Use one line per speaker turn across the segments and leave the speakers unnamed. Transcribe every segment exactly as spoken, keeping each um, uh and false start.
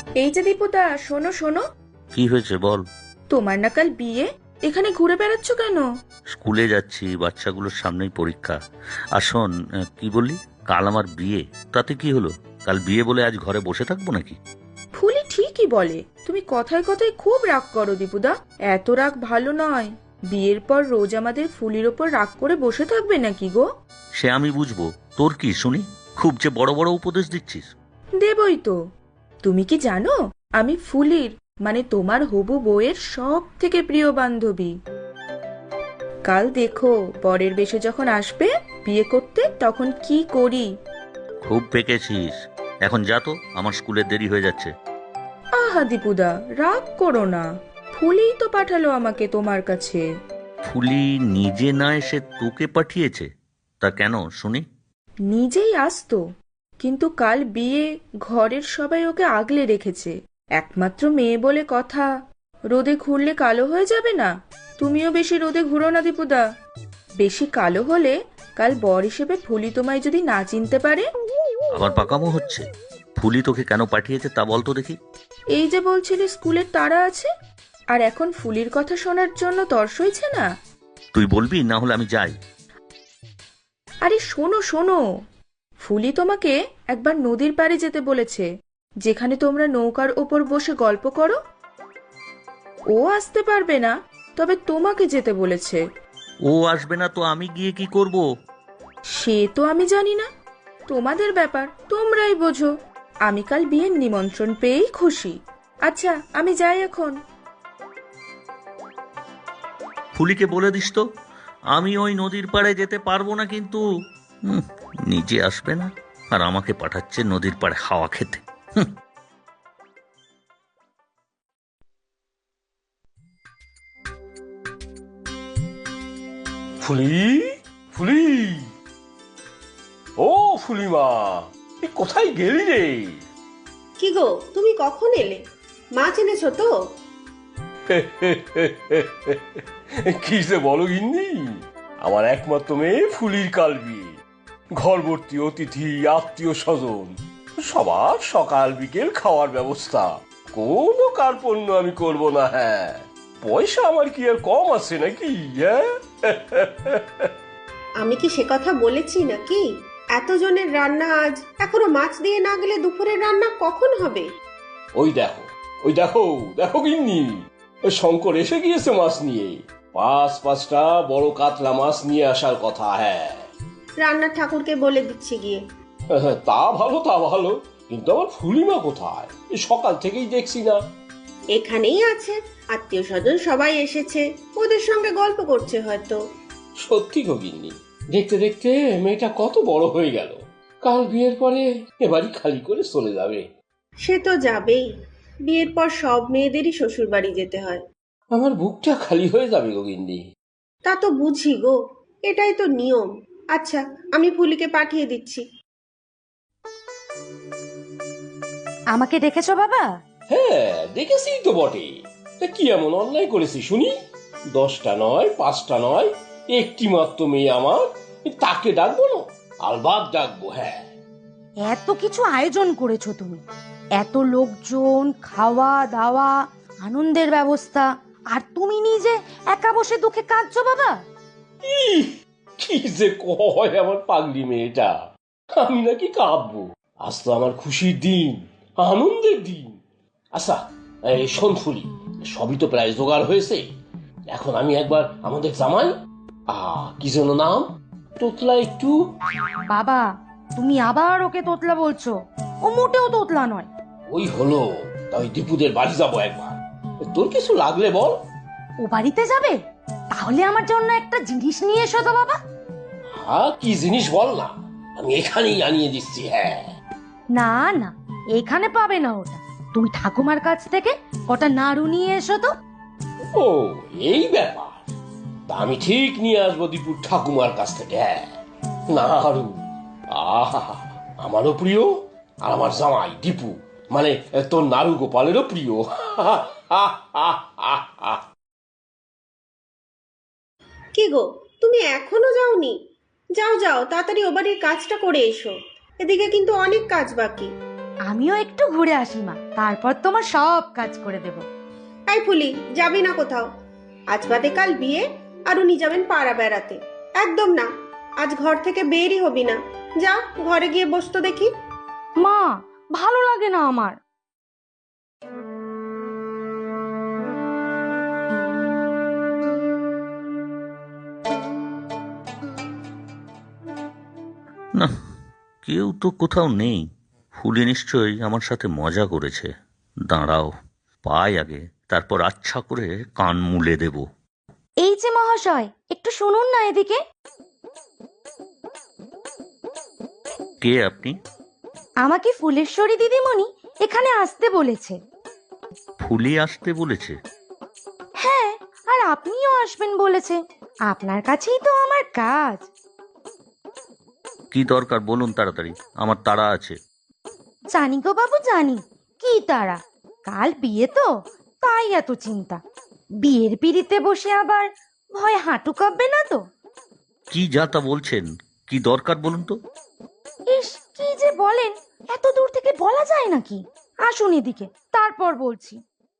এই যে দীপুদা, শোনো শোনো।
কি হয়েছে বল।
তোমার না কাল বিয়ে, এখানে ঘুরে বেড়াচ্ছ কেন?
স্কুলে যাচ্ছি, বাচ্চাগুলোর সামনেই পরীক্ষা। আর শোন, আহ, কি বললি? কাল আমার বিয়ে, তাতে কি হলো? কাল বিয়ে বলে আজ ঘরে বসে থাকবো নাকি?
ফুলি ঠিকই বলে, তুমি কথায় কথায় খুব রাগ করো দীপুদা। এত রাগ ভালো নয়। বিয়ের পর রোজ আমাদের ফুলির ওপর রাগ করে বসে থাকবে নাকি গো?
সে আমি বুঝবো, তোর কি শুনি? খুব যে বড় বড় উপদেশ দিচ্ছিস।
দেবই তো। তুমি কি জানো, আমি ফুলির মানে তোমার হবু বউয়ের সব থেকে প্রিয় বান্ধবী। কাল দেখো, বরের বেশে যখন আসবে বিয়ে করতে, তখন কি করি।
খুব পেকেছিস। এখন যা তো, আমার স্কুলের দেরি হয়ে যাচ্ছে।
আহা দীপুদা, রাগ করো না। ফুলিই তো পাঠালো আমাকে তোমার কাছে।
ফুলি নিজে না এসে তোকে পাঠিয়েছে? তা কেন শুনি?
নিজেই আসতো, কিন্তু কাল বিয়ে, ঘরের সবাই ওকে আগলে রেখেছে। একমাত্র মেয়ে বলে কথা, রোদে ঘুরলে কালো হয়ে যাবে না? তুমিও বেশি রোদে ঘুরো না দীপুদা। বেশি কালো হলে কাল বর হিসেবে ফুলি তোমায় যদি না চিনতে পারে।
আবার পাকামো হচ্ছে। ফুলি তোকে কেন পাঠিয়েছে তা বল তো দেখি।
এই যে বলছিলে স্কুলের তাড়া আছে, আর এখন ফুলির কথা শোনার জন্য তর সইছে না।
তুই বলবি, না হলে আমি যাই।
আরে শোনো শোনো, ফুলি তোমাকে একবার নদীর পাড়ে যেতে বলেছে, যেখানে তোমরা নৌকার ওপর বসে গল্প করো। ও আসতে পারবে না, তবে তোমাকে যেতে বলেছে।
ও আসবে না তো আমি গিয়ে কি করব?
সে তো আমি জানি না, তোমাদের ব্যাপার, তোমরাই বোঝো। আমি কাল বিয়ের নিমন্ত্রণ পেয়েই খুশি। আচ্ছা, আমি যাই এখন।
ফুলিকে বলে দিস তো, আমি ওই নদীর পাড়ে যেতে পারবো না কিন্তু। হুম, নিজে আসবে না আর আমাকে পাঠাচ্ছে নদীর পাড়ে হাওয়া খেতে। হুম।
ফুলি, ফুলি, ও ফুলিমা, এ কোথায় গেলি রে?
কি গো, তুমি কখন এলে? মাছ এনেছো তো?
কি যে বলো গিন্নি, আমার একমাত্র মেয়ে ফুলির কাল বিয়ে। ঘর ভর্তি অতিথি, আত্মীয় স্বজন, সবার সকাল বিকেল খাওয়ার ব্যবস্থা। কোনো কার্পণ্য আমি করব না। হ্যাঁ, পয়সা আমার কি আর কম আছে নাকি? হ্যাঁ,
আমি কি সে কথা বলেছি নাকি? এতজনের রান্না আজ, এখনো মাছ দিয়ে না গেলে দুপুরের রান্না কখন হবে?
ওই দেখো, ওই দেখো, দেখো গিন্নি, ওই শঙ্কর এসে গিয়েছে মাছ নিয়ে। পাঁচ পাঁচটা বড় কাতলা মাছ নিয়ে আসার কথা। হ্যাঁ,
রান্নার ঠাকুরকে বলে দিচ্ছি গিয়ে।
তা ভালো, তা ভালো, কিন্তু আমার ফুলিমা কোথায়? এই সকাল থেকেই দেখছি না।
এখানেই আছে, আত্মীয় স্বজন সবাই এসেছে, ওদের সঙ্গে গল্প করছে হয়তো।
সত্যি গো গিন্নি, দেখতে দেখতে মেয়েটা কত বড় হয়ে গেল। কাল বিয়ের পরে এবারই খালি করে চলে যাবে।
সে তো যাবেই, বিয়ের পর সব মেয়েদেরই শ্বশুর বাড়ি যেতে হয়।
আমার বুকটা খালি হয়ে যাবে গো গিন্নি।
তা তো বুঝি গো, এটাই তো নিয়ম। আচ্ছা, আমি ফুলিকে পাঠিয়ে দিচ্ছি।
আমাকে ডেকেছো বাবা?
হ্যাঁ, দেখেছি তো বটে। তা কি এমন অন্যায় করেছি শুনি? দশটা নয়, পাঁচটা নয়, একটি মাত্র মেয়ে আমার, তাকে ডাকবো না? আলবাদ ডাকবো। হ্যাঁ,
এত কিছু আয়োজন করেছো তুমি, এত লোকজন, খাওয়া দাওয়া, আনন্দের ব্যবস্থা, আর তুমি নিজে একা বসে দুঃখে কাঁদছো বাবা?
ইহ, কি যে কয় আমার পাগলি মেয়েটা। আমি নাকি কাঁদবো? আজ তো আমার খুশির দিন, আনন্দের দিন। আচ্ছা, এই শোন ফুলি, সবই তো প্রায় জোগাড় হয়েছে। এখন আমি একবার আমাদের জামাই, আহ কি যেন নাম, তোতলা একটু।
বাবা, তুমি আবার ওকে তোতলা বলছো? ও মোটেও তোতলা নয়।
ওই হলো, তাই দীপুদের বাড়ি যাবো একবার। তোর কিছু লাগলে বল।
ও বাড়িতে যাবে? তাহলে আমার জন্য একটা জিনিস নিয়ে এসো তো বাবা।
হ্যাঁ, কি জিনিস বল না, আমি এখানেই আনিয়ে দিচ্ছি। হ্যাঁ,
না না, এখানে পাবে না ওটা। তুমি ঠাকুমার কাছ থেকে কটা নাড়ু নিয়ে এসো তো।
ও এই ব্যাপার, তা আমি ঠিক নিয়ে আসবো দীপুর ঠাকুমার কাছ থেকে। হ্যাঁ, নাড়ু, আহা, আমারও প্রিয়, আর আমার জামাই দীপু মানে তোর নাড়ু গোপালেরও প্রিয়।
কি গো, তুমি এখনো যাওনি? যাও যাও, তাড়াতাড়ি ও বাড়ির কাজটা করে এসো। এদিকে কিন্তু অনেক কাজ বাকি।
আমিও একটু ঘুরে আসি মা, তারপর তোমার সব কাজ করে দেব।
এই ফুলি, যাবি না কোথাও? আজ বাদে কাল বিয়ে, আর উনি যাবেন পাড়া বেড়াতে। একদম না, আজ ঘর থেকে বেরই হবি না। যা ঘরে গিয়ে বসতো দেখি।
মা, ভালো লাগে না আমার।
না, কেউ তো কোথাও নেই। ফুলি নিশ্চয়ই আমার সাথে মজা করেছে। দাঁড়াও, পাই আগে, তারপর আচ্ছা করে কান মুলে দেব।
এই যে মহাশয়, একটু শুনুন না এদিকে।
কে আপনি?
আমাকে ফুলেশ্বরী দিদিমণি এখানে আসতে বলেছে।
ফুলি আসতে বলেছে?
হ্যাঁ, আর আপনিও আসবেন বলেছে। আপনার কাছেই তো আমার কাজ।
কি দরকার বলুন তাড়াতাড়ি, আমার তাড়া আছে।
জানি গো বাবু, জানি। কি তারা, কাল বিয়ে তো, তাই এত চিন্তা। বিয়ের পিড়িতে বসে আবার ভয় হাঁটু কাঁপবে না তো?
কি যা তা বলছেন, কি দরকার বলুন তো।
ইস, কি যে বলেন, এত দূর থেকে বলা যায় নাকি? আসুন এদিকে, তারপর বলছি।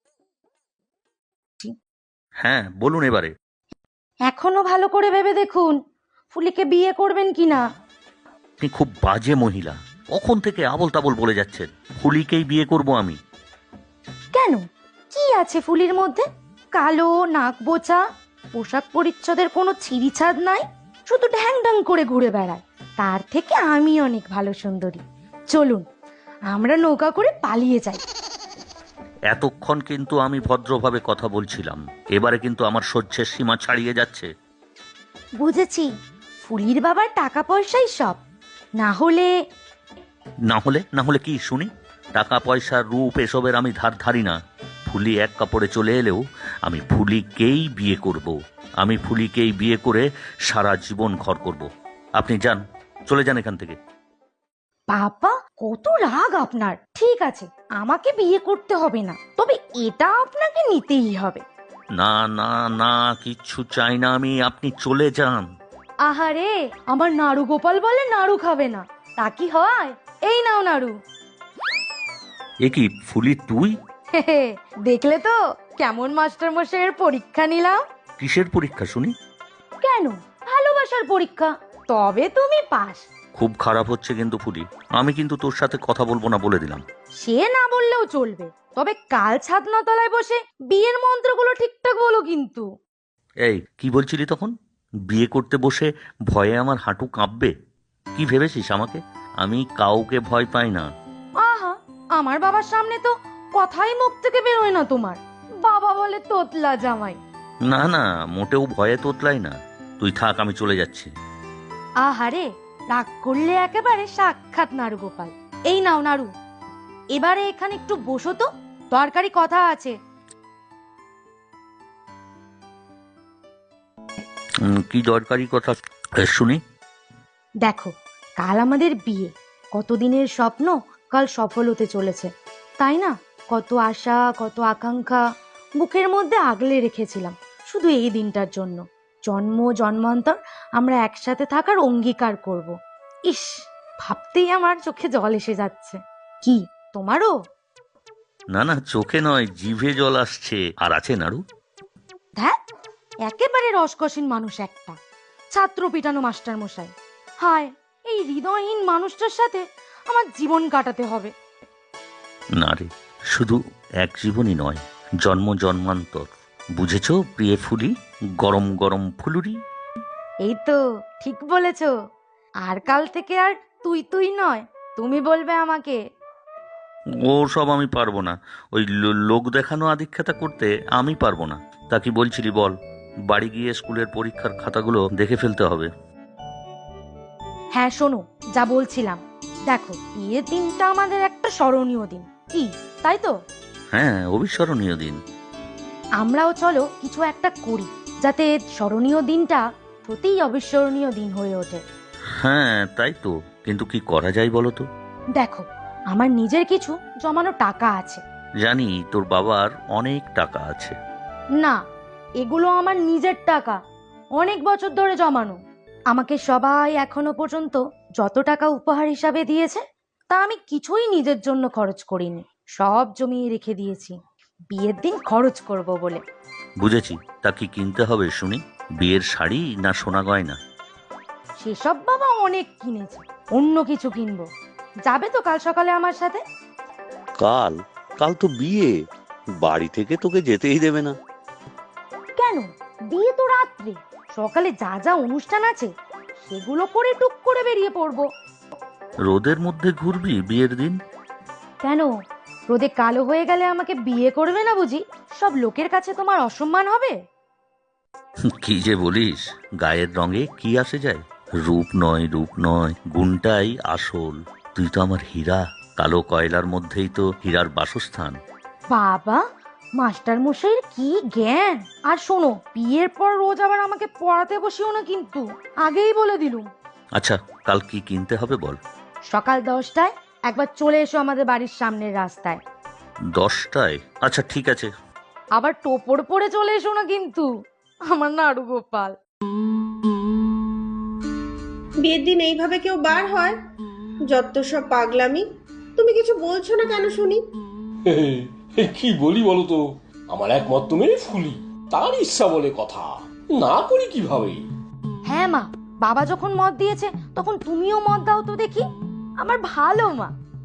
হ্যাঁ বলুন এবারে।
এখনো ভালো করে ভেবে দেখুন, ফুলিকে বিয়ে করবেন কিনা।
আপনি খুব বাজে মহিলা, কখন থেকে আবল তাবল বলে যাচ্ছেন। ফুলিকেই বিয়ে করব আমি।
কেন, কি আছে ফুলির মধ্যে? কালো, নাক বোচা, পোশাক পরিচ্ছদের কোনো ছিঁড়িছাদ নাই, শুধু ঢ্যাং ঢ্যাং করে ঘুরে বেড়ায়। তার থেকে আমি অনেক ভালো সুন্দরী। চলুন, আমরা নৌকা করে পালিয়ে যাই।
এতক্ষণ কিন্তু আমি ভদ্রভাবে কথা বলছিলাম, এবারে কিন্তু আমার সহ্যের সীমা ছাড়িয়ে যাচ্ছে।
বুঝেছি, ফুলির বাবার টাকা পয়সাই সব। না হলে
না হলে না হলে কি শুনি? টাকা পয়সা রূপ এসবের আমি ধার ধারি না। ফুলি এক কাপড়ে চলে এলেও আমি ফুলিকেই বিয়ে করব। আমি ফুলিকেই বিয়ে করে সারা জীবন ঘর করব। আপনি যান, চলে যান এখান থেকে।
বাবা, কত রাগ আপনার! ঠিক আছে, আমাকে বিয়ে করতে হবে না, তবে এটা আপনাকে নিতেই হবে।
না না না, কিচ্ছু চাই না আমি, আপনি চলে যান।
আহারে, আমার নাড়ু গোপাল বলে নাড়ু খাবে না, তা কি হয়? এই নাও নাড়ু।
এ কি ফুলি তুই?
দেখলে তো কেমন মাস্টার মশাইয়ের পরীক্ষা নিলাম।
কিসের পরীক্ষা শুনি?
কেন, ভালোবাসার পরীক্ষা। তবে তুমি পাস।
খুব খারাপ হচ্ছে কিন্তু ফুলি, আমি কিন্তু তোর সাথে কথা বলবো না বলে দিলাম।
সে না বললেও চলবে, তবে কাল ছাদনা তলায় বসে বিয়ের মন্ত্রগুলো ঠিকঠাক বলো কিন্তু।
এই কি বলছিলি তখন? বিয়ে করতে বসে ভয়ে আমার হাঁটু কাঁপবে? কি ভেবেছিস আমাকে? আমি কাউকে ভয় পাই না।
আহা, আমার বাবার সামনে তো কথাই মুখ থেকে বেরোয় না তোমার। বাবা বলে তোতলা জামাই।
না না, মোটেও ভয়ে তোতলাই না। তুই থাক, আমি চলে যাচ্ছি।
আহারে, রাগ করলে একেবারে সাক্ষাৎ নাড়ু গোপাল। এই নাও নাড়ু, এবারে এখানে একটু বসো তো, দরকারি কথা আছে।
উম, কি দরকারি কথা এ, শুনি।
দেখো, কাল আমাদের বিয়ে। কতদিনের স্বপ্ন কাল সফল হতে চলেছে, তাই না? কত আশা, কত আকাঙ্ক্ষা বুকের মধ্যে আগলে রেখেছিলাম শুধু এই দিনটার জন্য। জন্ম জন্মান্তর আমরা একসাথে থাকার অঙ্গীকার করব। ইস, ভাবতেই আমার চোখে জল এসে যাচ্ছে। কি তোমারও?
না না, চোখে নয়, জিভে জল আসছে। আর আছে নাড়ু?
ধ্যাৎ, একেবারে রসকসীন মানুষ একটা, ছাত্র পিটানো মাস্টার মশাই। হায়, এই হৃদয়হীন মানুষটার সাথে আমার জীবন কাটাতে হবে।
না রে, শুধু এক জীবনই নয়, জন্ম জন্মান্তর। বুঝেছো প্রিয় ফুলি, গরম গরম ফুলুরি?
এই তো ঠিক বলেছ। আর কাল থেকে আর তুই তুই নয়, তুমি বলবে আমাকে।
ও সব আমি পারবো না। ওই লো- লোক দেখানো আদিক্ষেতা করতে আমি পারবো না। তা কি বলছিলি বল? বাড়ি গিয়ে স্কুলের পরীক্ষার খাতাগুলো দেখে ফেলতে হবে।
হ্যাঁ শোনো, যা বলছিলাম, দেখো বিয়ের দিনটা আমাদের একটা স্মরণীয় দিন, কি তাই তো?
হ্যাঁ, অবিস্মরণীয় দিন।
আমরাও চলো কিছু একটা করি, যাতে স্মরণীয় দিনটা সত্যিই অবিস্মরণীয় দিন হয়ে ওঠে।
হ্যাঁ তাই তো, কিন্তু কি করা যায় বলো তো?
দেখো, আমার নিজের কিছু জমানো টাকা আছে।
জানি তোর বাবার অনেক টাকা আছে।
না, এগুলো আমার নিজের টাকা, অনেক বছর ধরে জমানো। আমাকে সবাই এখনো পর্যন্ত যত টাকা উপহার হিসাবে দিয়েছে, তা আমি কিছুই নিজের জন্য খরচ করিনি, সব জমিয়ে রেখে দিয়েছি বিয়ের দিন খরচ করব বলে।
বুঝেছি, তা কি কিনতে হবে শুনি? বিয়ের শাড়ি না সোনা গয়না?
সেসব বাবা অনেক কিনেছে, অন্য কিছু কিনবো। যাবে তো কাল সকালে আমার সাথে?
কাল? কাল তো বিয়ে, বাড়ি থেকে তোকে যেতেই দেবে না।
কেন, বিয়ে তো রাত্রে, সকালে যা যা অনুষ্ঠান আছে সেগুলো করে টুক করে বেরিয়ে পড়বো।
রোদের মধ্যে ঘুরবি বিয়ের দিন?
কেন, রোদে কালো হয়ে গেলে আমাকে বিয়ে করবে না বুঝি? সব লোকের কাছে তোমার অসম্মান হবে?
কি যে বলিস, গায়ের রঙে কি আসে যায়? রূপ নয়, রূপ নয়, গুণটাই আসল। তুই তো আমার হীরা, কালো কয়লার মধ্যেই তো হীরার বাসস্থান।
বাবা, মাস্টার মশাইয়ের কি জ্ঞান! আর শোনো, বিয়ের পর রোজ আবার আমাকে পড়াতে বসিও না কিন্তু, আগেই বলে দিলুম।
আচ্ছা, কাল কি কিনতে হবে বল?
সকাল দশটায় একবার চলে এসো আমাদের বাড়ির সামনের রাস্তায়।
দশটায়? আচ্ছা ঠিক আছে।
আবার টোপর পরে চলে এসো না কিন্তু, আমার নাড়ু গোপাল।
বিয়ের দিন এইভাবে কেউ বার হয়? যত সব পাগলামি। তুমি কিছু বলছো না কেন শুনি?
হে, হে, কি বলি বলো তো? আমার একমাত্র মেয়ে ফুলি, তার ইচ্ছা বলে কথা, না করি কিভাবে?
হ্যাঁ মা, বাবা যখন মত দিয়েছে তখন তুমিও মত দাও তো দেখি, আমার ভালো মা।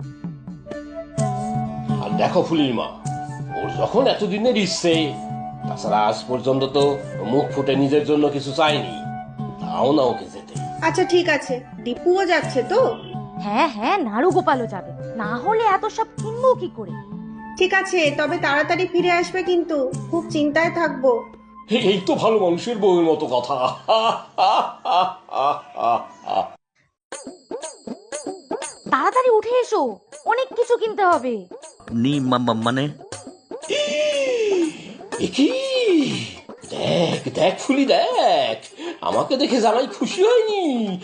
আর দেখো ফুলির মা, ওর যখন এতদিনের ইচ্ছে, তাছাড়া আজ পর্যন্ত তো মুখ ফুটে নিজের জন্য কিছু চাইনি, দাও না ওকে যেতে।
আচ্ছা ঠিক আছে, দীপুও যাচ্ছে তো?
হ্যাঁ হ্যাঁ, নাড়ু গোপালও যাবে, না হলে এত সব কিনবো কি করে?
ঠিক আছে, তবে তাড়াতাড়ি ফিরে আসবে কিন্তু, খুব চিন্তায় থাকবো।
হে, এই তো ভালো মানুষের বউয়ের মতো কথা।
তাড়াতাড়ি উঠে এসো, অনেক কিছু কিনতে হবে।
নি মা- মা- মানে
এ কি? দেখ দেখ ফুলি দেখ, আমাকে দেখে জামাই খুশি হয়নি?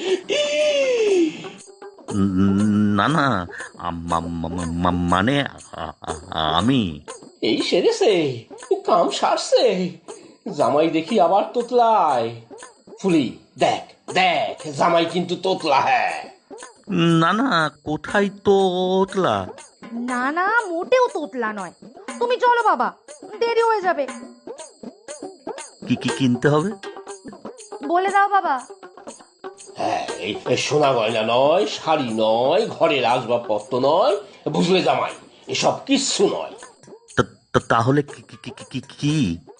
উম, না না, আম- মা- মা- মা- মানে আ- আ- আমি
এই সেরেছে, কাম সারছে, জামাই দেখি আবার তোতলায়। ফুলি দেখ দেখ, জামাই কিন্তু তোতলা। হ্যাঁ,
না না, কোথায় তোতলা?
না না, মোটেও তোতলা নয়। তুমি চলো বাবা, দেরি হয়ে যাবে।
কি কি কিনতে হবে?
বলে দাও বাবা।
হ্যাঁ, এই এই সোনা গয়না নয়, শাড়ি নয়, ঘরের আসবাবপত্র নয়, বুঝলে জামাই, এসব কিচ্ছু নয়।
তা- তা- তাহলে কি কি কি- কি কি?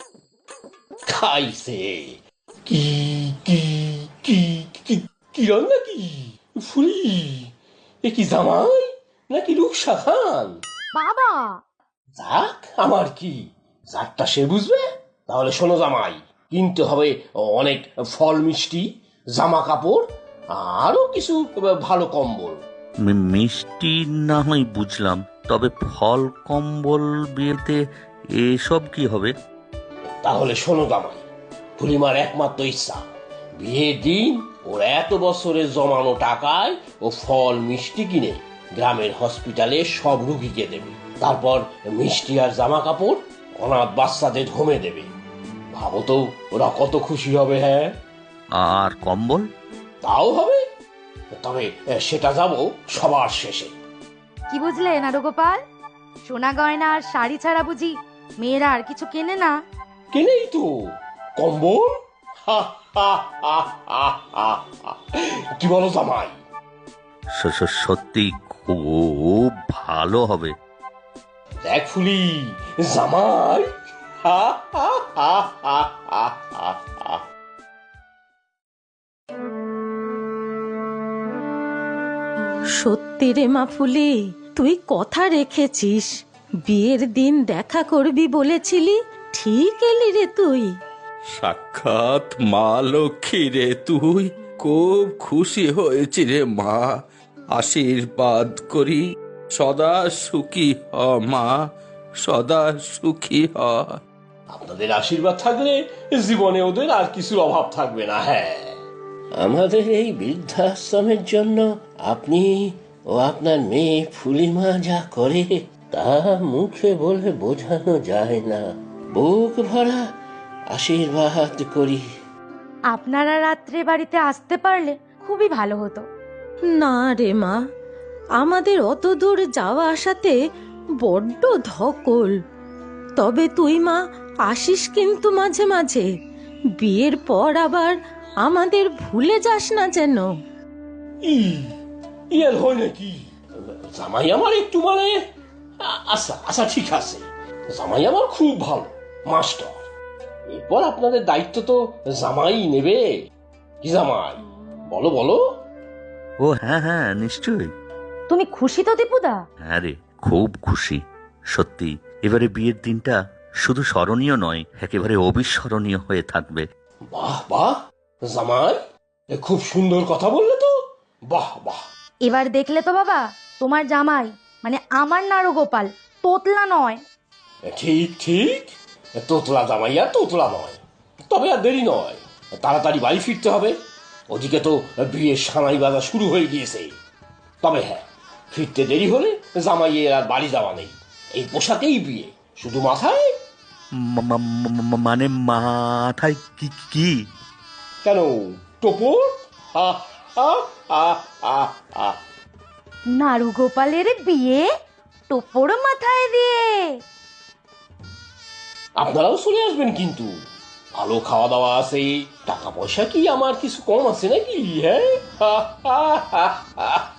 খাইছে কি কি কি কি কি রান্না কি? ফুলি, এ কি জামাই নাকি রুকসা খান?
বাবা,
যাক, আমার কি, যাকটা সে বুঝবে। তাহলে শোনো জামাই, কিনতে হবে অনেক ফল মিষ্টি, জামা কাপড়, আরো কিছু ভালো কম্বল।
মি- মিষ্টি না হয় বুঝলাম, তবে ফল কম্বল বিয়েতে এসব কি হবে?
তাহলে শোনো জামাই, ফুলিমার একমাত্র ইচ্ছা, বিয়ের দিন ওর এত বছরের জমানো টাকায় ও ফল মিষ্টি কিনে গ্রামের হসপিটালে সব রুগীকে দেবে, তারপর মিষ্টি আর জামা কাপড় অনাথ বাচ্চাদের হোমে দেবে। ভাবো তো ওরা কত খুশি হবে। হ্যাঁ,
আর কম্বল?
তাও হবে, তবে সেটা যাব সবার শেষে।
কি বুঝলে নাড়ু গোপাল? সোনা গয়না আর শাড়ি ছাড়া বুঝি মেয়েরা আর কিছু কেনে না?
কেনেই তো কম্বল। হা, হা, হা, হা, হা, হা। কি বলো জামাই?
স- স- সত্যি খুব ভালো হবে।
দেখ ফুলি, জামাই। হা, হা, হা, হা, হা, হা, হা।
সত্যি রে মা ফুলি, তুই কথা রেখেছিস। বিয়ের দিন দেখা করবি বলেছিলি, ঠিক এলি রে তুই।
সাক্ষাৎ মা লক্ষ্মী রে তুই, খুব খুশি হয়েছি রে মা। আশীর্বাদ করি সদা সুখী হ মা, সদা সুখী হ।
আপনাদের আশীর্বাদ থাকলে জীবনে ওদের আর কিছুর অভাব থাকবে না। হ্যাঁ, আমাদের এই বৃদ্ধাশ্রমের জন্য আপনি ও আপনার মেয়ে ফুলিমা যা করে তা মুখে বলে বোঝানো যায় না। বুক ভরা আশীর্বাদ করি।
আপনারা রাত্রে বাড়িতে আসতে পারলে খুবই ভালো হতো।
না রে মা, আমাদের অত দূর যাওয়া আসাতে বড্ড ধকল। তবে তুই মা আসিস কিন্তু মাঝে মাঝে, বিয়ের পর আবার আমাদের ভুলে যাস না যেন।
ই ইয়ার হয় নাকি? জামাই আমার একটু মানে আ- আচ্ছা আচ্ছা ঠিক আছে, জামাই আমার খুব ভালো মাস্টার। এরপর আপনাদের দায়িত্ব তো জামাই নেবে। কি জামাই, বলো বলো।
ও হ্যাঁ হ্যাঁ নিশ্চয়ই।
তুমি খুশি তো দীপুদা?
হ্যাঁ রে, খুব খুশি সত্যি। এবারে বিয়ের দিনটা শুধু স্মরণীয় নয়, একেবারে অবিস্মরণীয় হয়ে থাকবে।
বাহ বাহ জামাই, এ খুব সুন্দর কথা বললে তো। বাহ বাহ।
এবার দেখলে তো বাবা, তোমার জামাই মানে আমার নাড়ুগোপাল, তোতলা নয়।
ঠিক ঠিক, তোতলা জামাই আর তোতলা নয়। তবে আর দেরি নয়, তাড়াতাড়ি বাড়ি ফিরতে হবে। ওদিকে তো বিয়ের সানাই বাজা শুরু হয়ে গিয়েছে। তবে হ্যাঁ, ফিরতে দেরি হলে জামাইয়ের আর বাড়ি যাওয়া নেই, এই পোশাকেই বিয়ে, শুধু মাথায়।
মা- মা- মা- মানে মাথায় কি কি?
কেন, টোপর? হা হা হা হা হা।
নাড়ুগোপালের বিয়ে টোপর মাথায় দিয়ে।
আপনারাও চলে আসবেন কিন্তু, ভালো খাওয়া দাওয়া আছে, টাকা পয়সা কি আমার কিছু কম আছে নাকি? হ্যাঁ হা হা হা হা।